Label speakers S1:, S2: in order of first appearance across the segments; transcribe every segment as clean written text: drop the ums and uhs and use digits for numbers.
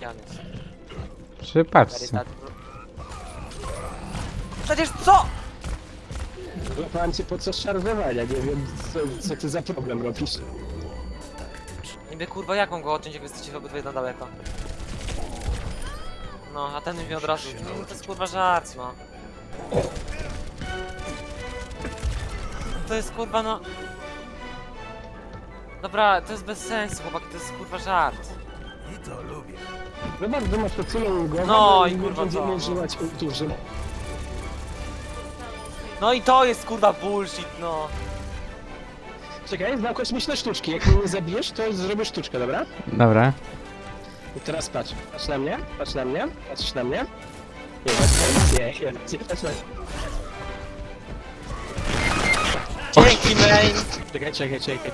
S1: Gdzie on jest?
S2: Przy paczce.
S1: Karytat. Przecież co?
S3: Złapałem cię po co szarżowania, nie wiem co ty za problem robisz.
S1: Niby kurwa jaką go odciąć, jak jesteście obydwie na daleko. No, a ten mi od razu. No, to jest kurwa żart, no. To jest kurwa no. Dobra, to jest bez sensu, chłopaki, to jest kurwa żart.
S3: Zobacz, że masz to całą głowę,
S1: No i kurwa
S3: będziemy
S1: co, no.
S3: używać ulturzy.
S1: No i to jest kurwa bullshit, no.
S3: Czekaj, znam kosmiczne sztuczki, jak mnie nie zabijesz, to zrobię sztuczkę, dobra?
S2: Dobra.
S3: I teraz patrz, patrz na mnie, patrz na mnie, patrz na mnie. Nie, patrz na mnie.
S1: Dzięki, main!
S3: Czekaj.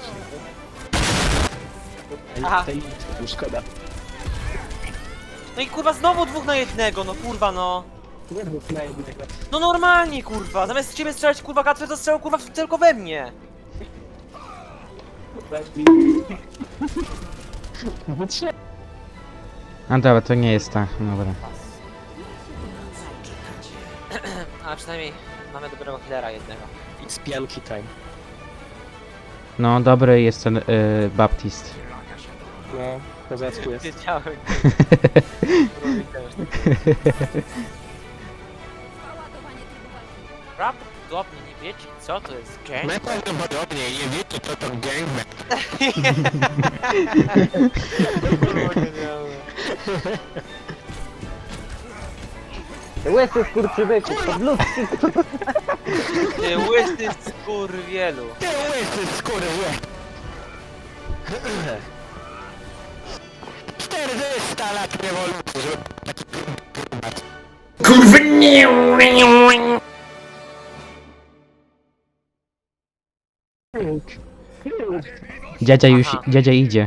S1: Aha.
S3: Tej szkoda.
S1: No i kurwa znowu 2 na 1, no kurwa no.
S3: Nie rób na jednego.
S1: No normalnie kurwa, zamiast ciebie strzelać kurwa Gatry, to strzelał kurwa tylko we mnie.
S2: A dobra, to nie jest ta. Dobra.
S1: A przynajmniej mamy dobrego healera jednego.
S3: It's pianki time.
S2: No, dobry jest ten Baptist.
S3: No, kozacku jest.
S1: Wiedziałem. Prawdopodobnie nie wiecie co to jest gang.
S3: Najprawdopodobniej nie wiecie co to gangbang.
S4: Łysy skurczybyku, podludki.
S1: Ty łysy skurwielu.
S3: Ty łysy skurwy! 400 lat rewolucji, żeby taki klimat.
S2: Dziadzia już, dziadzia idzie.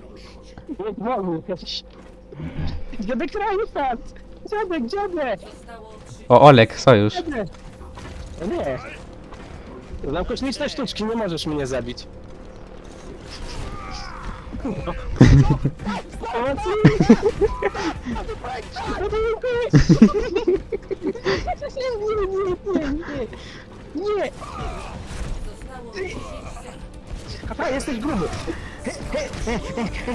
S3: Dziadek Reinhardt! Dziadek!
S2: O, Olek, sojusz.
S3: O nie! Znam kosmiczne sztuczki, nie możesz mnie zabić. Pomocy! Nie! Papa, jesteś gruby!